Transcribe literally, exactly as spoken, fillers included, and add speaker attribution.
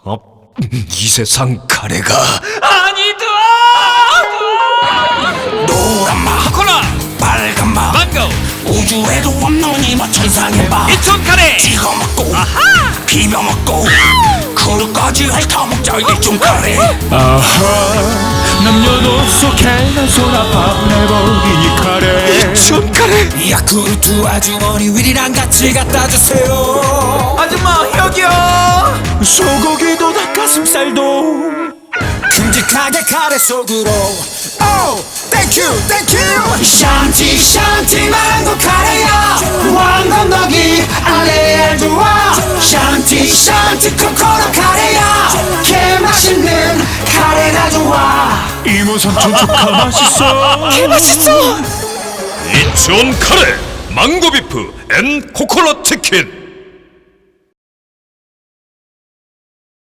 Speaker 1: 어? 이 세상 카레가
Speaker 2: 아니다!
Speaker 3: 노란 맛
Speaker 2: 콜라!
Speaker 3: 빨간 맛
Speaker 2: 망고!
Speaker 3: 우주에도 없는 이 맛 천상의 맛
Speaker 2: 인천 카레!
Speaker 3: 찍어 먹고
Speaker 2: 아하!
Speaker 3: 비벼 먹고 그릇까지 핥아먹자 일종 카레
Speaker 4: 아하 남녀노소 개나 소나밥 내버리니 카레
Speaker 1: 인천 카레.
Speaker 3: 야 그릇 아주머니 위리랑 같이 갖다 주세요
Speaker 2: 아줌마 여기요!
Speaker 4: 소고기도 닭가슴살도
Speaker 3: 큼직하게 카레 속으로 오 땡큐 땡큐 샨티 샨티 망고 카레야 왕건 너기 알레알 좋아 샨티 샨티 코코넛 카레야 개 맛있는 카레가 좋아
Speaker 4: 이모 삼촌 조카 맛있어
Speaker 2: 맛있어!
Speaker 1: 인천 카레 망고 비프 앤 코코넛 치킨.